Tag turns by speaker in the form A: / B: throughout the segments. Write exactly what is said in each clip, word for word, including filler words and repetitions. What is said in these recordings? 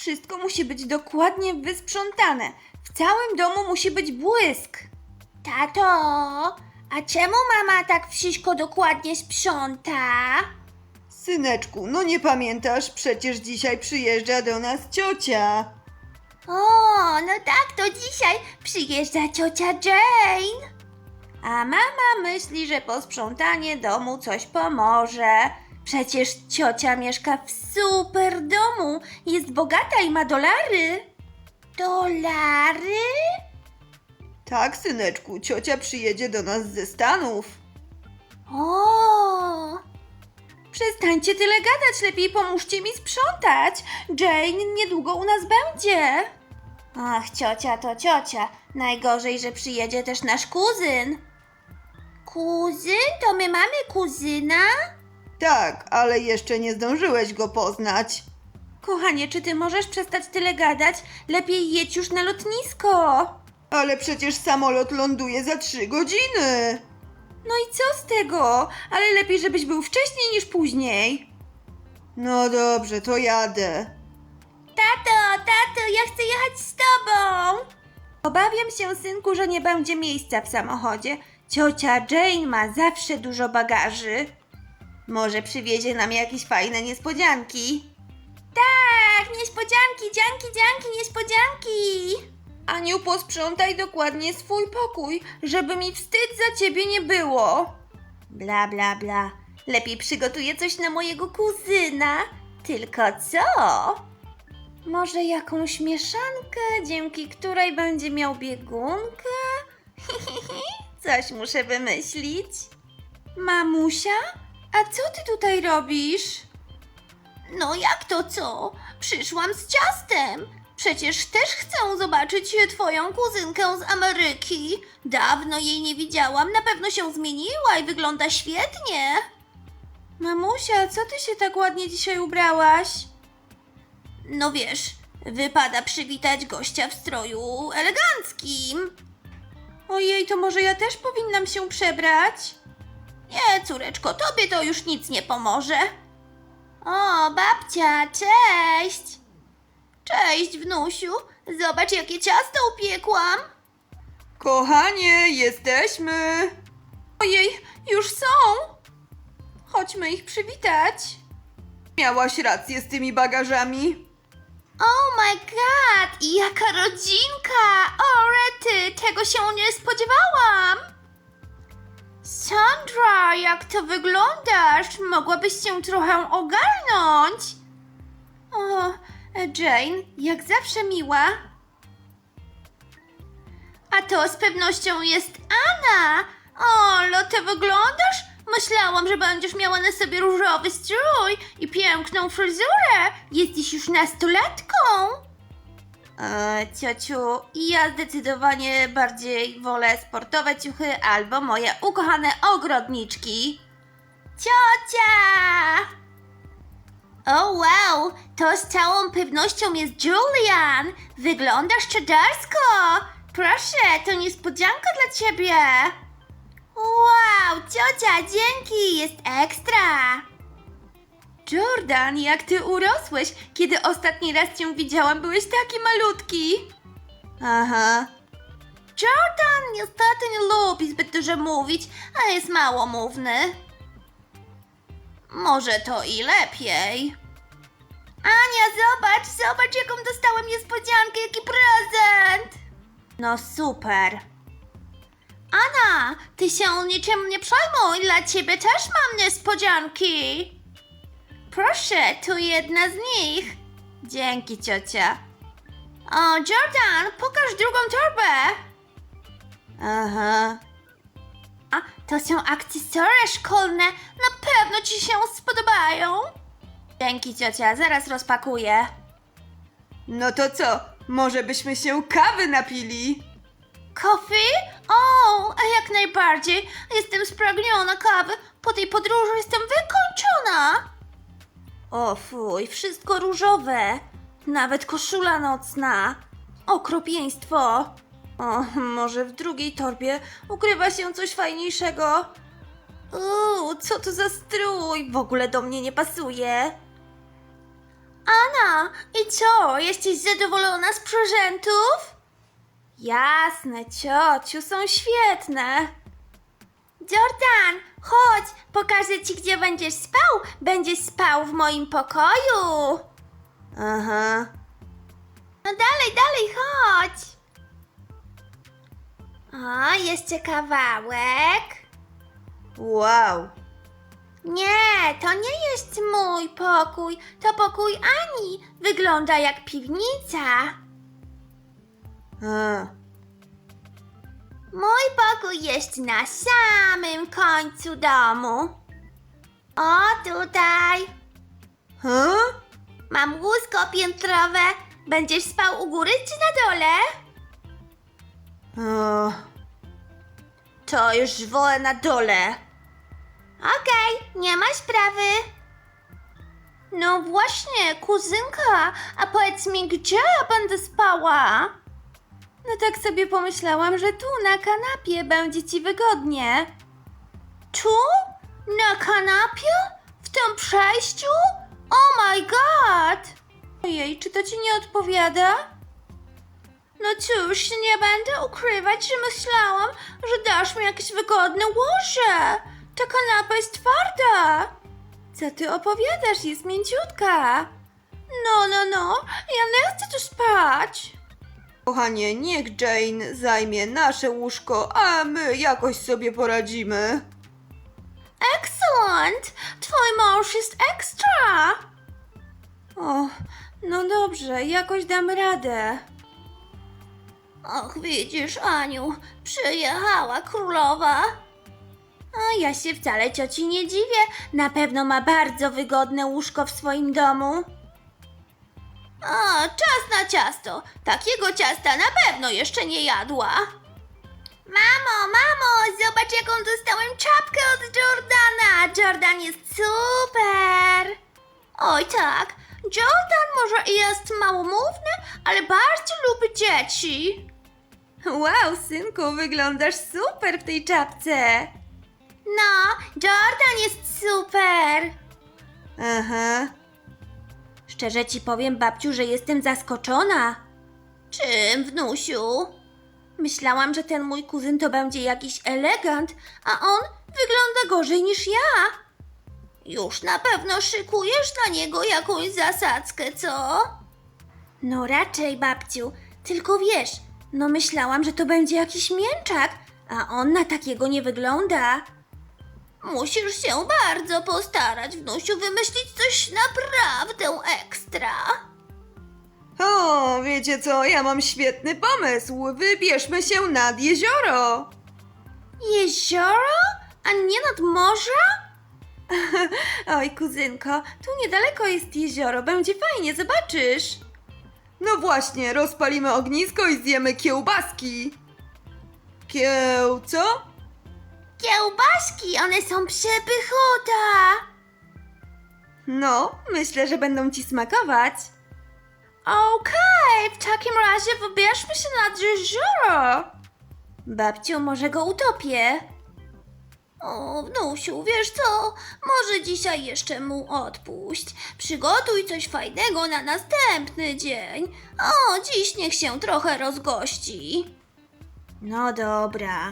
A: Wszystko musi być dokładnie wysprzątane. W całym domu musi być błysk.
B: Tato, a czemu mama tak wszystko dokładnie sprząta?
C: Syneczku, no nie pamiętasz? Przecież dzisiaj przyjeżdża do nas ciocia.
B: O, no tak, to dzisiaj przyjeżdża ciocia Jane.
A: A mama myśli, że posprzątanie domu coś pomoże. Przecież ciocia mieszka w super domu. Jest bogata i ma dolary.
B: Dolary?
C: Tak, syneczku, ciocia przyjedzie do nas ze Stanów.
B: O,
A: Przestańcie tyle gadać, lepiej pomóżcie mi sprzątać. Jane niedługo u nas będzie. Ach, ciocia to ciocia. Najgorzej, że przyjedzie też nasz kuzyn.
B: kuzyn? To my mamy kuzyna?
C: Tak, ale jeszcze nie zdążyłeś go poznać.
A: Kochanie, czy ty możesz przestać tyle gadać? Lepiej jedź już na lotnisko.
C: Ale przecież samolot ląduje za trzy godziny.
A: No i co z tego? Ale lepiej, żebyś był wcześniej niż później.
C: No dobrze, to jadę.
B: Tato, tato, ja chcę jechać z tobą.
A: Obawiam się, synku, że nie będzie miejsca w samochodzie. Ciocia Jane ma zawsze dużo bagaży. Może przywiezie nam jakieś fajne niespodzianki.
B: Tak, niespodzianki, dzianki, dzianki, niespodzianki.
A: Aniu, posprzątaj dokładnie swój pokój, żeby mi wstyd za ciebie nie było. Bla, bla, bla. Lepiej przygotuję coś na mojego kuzyna. Tylko co? Może jakąś mieszankę, dzięki której będzie miał biegunkę? Coś muszę wymyślić. Mamusia? A co ty tutaj robisz?
B: No jak to co? Przyszłam z ciastem. Przecież też chcę zobaczyć twoją kuzynkę z Ameryki. Dawno jej nie widziałam, na pewno się zmieniła i wygląda świetnie.
A: Mamusia, co ty się tak ładnie dzisiaj ubrałaś?
B: No wiesz, wypada przywitać gościa w stroju eleganckim.
A: Ojej, to może ja też powinnam się przebrać?
B: Nie, córeczko, tobie to już nic nie pomoże. O, babcia, cześć! Cześć, wnusiu. Zobacz, jakie ciasto upiekłam.
C: Kochanie, jesteśmy.
A: Ojej, już są! Chodźmy ich przywitać.
C: Miałaś rację z tymi bagażami.
B: Oh my god, i jaka rodzinka! O, rety, tego się nie spodziewałam! Sandra, jak to wyglądasz? Mogłabyś się trochę ogarnąć.
A: O, Jane, jak zawsze miła.
B: A to z pewnością jest Anna. O, lo, ty wyglądasz? Myślałam, że będziesz miała na sobie różowy strój i piękną fryzurę. Jesteś już nastolatką.
A: E, ciociu, ja zdecydowanie bardziej wolę sportowe ciuchy albo moje ukochane ogrodniczki.
B: Ciocia! O wow, to z całą pewnością jest Julian. Wyglądasz czadarsko. Proszę, to niespodzianka dla ciebie. Wow, ciocia, dzięki, jest ekstra.
A: Jordan, jak ty urosłeś? Kiedy ostatni raz cię widziałam, byłeś taki malutki. Aha.
B: Jordan niestety nie lubi zbyt dużo mówić, a jest małomówny. Może to i lepiej. Ania, zobacz, zobacz jaką dostałem niespodziankę, jaki prezent.
A: No super.
B: Anna, ty się niczym nie przejmuj, dla ciebie też mam niespodzianki. Proszę, tu jedna z nich.
A: Dzięki, ciocia.
B: O, Jordan, pokaż drugą torbę.
A: Aha.
B: A, to są akcesoria szkolne, na pewno ci się spodobają.
A: Dzięki, ciocia, zaraz rozpakuję.
C: No to co? Może byśmy się kawy napili?
B: Coffee? O, a jak najbardziej. Jestem spragniona kawy. Po tej podróży jestem wykończona.
A: O fuj, wszystko różowe. Nawet koszula nocna. Okropieństwo. O, może w drugiej torbie ukrywa się coś fajniejszego. Uuu, co to za strój? W ogóle do mnie nie pasuje.
B: Anna, i co? Jesteś zadowolona z prezentów?
A: Jasne, ciociu, są świetne.
B: Jordan, chodź, pokażę ci, gdzie będziesz spał. Będziesz spał w moim pokoju.
A: Aha.
B: No dalej, dalej, chodź. O, jeszcze kawałek.
A: Wow.
B: Nie, to nie jest mój pokój, to pokój Ani. Wygląda jak piwnica.
A: A.
B: Mój pokój jest na samym końcu domu. O, tutaj.
A: Huh?
B: Mam łóżko piętrowe. Będziesz spał u góry czy na dole?
A: O. To już wolę na dole.
B: Okej, nie ma sprawy. No właśnie, kuzynka, a powiedz mi, gdzie ja będę spała?
A: No tak sobie pomyślałam, że tu na kanapie będzie ci wygodnie.
B: Tu? Na kanapie? W tym przejściu? Oh my god!
A: Ojej, czy to ci nie odpowiada?
B: No cóż, nie będę ukrywać, że myślałam, że dasz mi jakieś wygodne łoże. Ta kanapa jest twarda.
A: Co ty opowiadasz? Jest mięciutka.
B: No, no, no, ja nie chcę tu spać.
C: Kochanie, niech Jane zajmie nasze łóżko, a my jakoś sobie poradzimy.
B: Excellent! Twój mąż jest ekstra.
A: O, no dobrze, jakoś dam radę.
B: Och, widzisz, Aniu, przyjechała królowa.
A: A ja się wcale cioci nie dziwię. Na pewno ma bardzo wygodne łóżko w swoim domu.
B: A, czas na ciasto. Takiego ciasta na pewno jeszcze nie jadła. Mamo, mamo, zobacz jaką dostałem czapkę od Jordana. Jordan jest super. Oj tak, Jordan może jest małomówny, ale bardzo lubi dzieci.
A: Wow, synku, wyglądasz super w tej czapce.
B: No, Jordan jest super.
A: Aha. Szczerze ci powiem, babciu, że jestem zaskoczona.
B: Czym, wnusiu?
A: Myślałam, że ten mój kuzyn to będzie jakiś elegant, a on wygląda gorzej niż ja.
B: Już na pewno szykujesz dla niego jakąś zasadzkę, co?
A: No raczej, babciu. Tylko wiesz, no myślałam, że to będzie jakiś mięczak, a on na takiego nie wygląda.
B: Musisz się bardzo postarać, wnusiu, wymyślić coś naprawdę ekstra.
C: O, wiecie co, ja mam świetny pomysł. Wybierzmy się nad jezioro.
A: Jezioro? A nie nad morze? Oj, kuzynko, tu niedaleko jest jezioro, będzie fajnie, zobaczysz.
C: No właśnie, rozpalimy ognisko i zjemy kiełbaski. Kieł, co?
B: Kiełbaski, one są przepychota.
A: No, myślę, że będą ci smakować.
B: Okej, w takim razie wybierzmy się nad jezioro.
A: Babciu, może go utopię.
B: O, wnusiu, wiesz co? Może dzisiaj jeszcze mu odpuść. Przygotuj coś fajnego na następny dzień. O, dziś niech się trochę rozgości.
A: No dobra.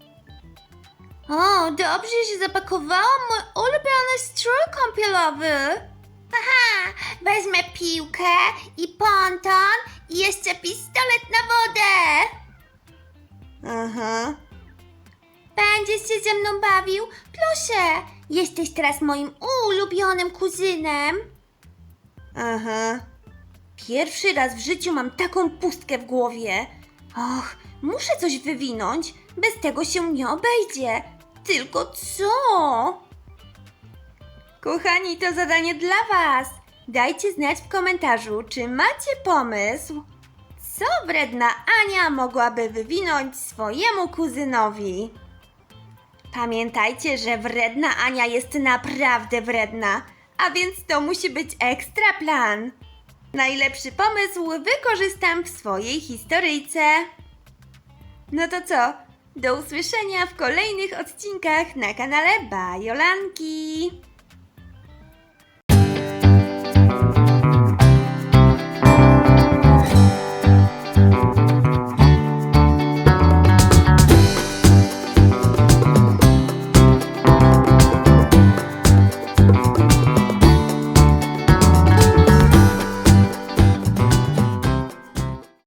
B: O, dobrze się zapakowałam mój ulubiony strój kąpielowy. Aha, wezmę piłkę i ponton i jeszcze pistolet na wodę.
A: Aha.
B: Będziesz się ze mną bawił? Proszę, jesteś teraz moim ulubionym kuzynem.
A: Aha. Pierwszy raz w życiu mam taką pustkę w głowie. Och, muszę coś wywinąć. Bez tego się nie obejdzie. Tylko co? Kochani, to zadanie dla Was. Dajcie znać w komentarzu, czy macie pomysł, co wredna Ania mogłaby wywinąć swojemu kuzynowi. Pamiętajcie, że wredna Ania jest naprawdę wredna, a więc to musi być ekstra plan. Najlepszy pomysł wykorzystam w swojej historyjce. No to co? Do usłyszenia w kolejnych odcinkach na kanale Bajolanki.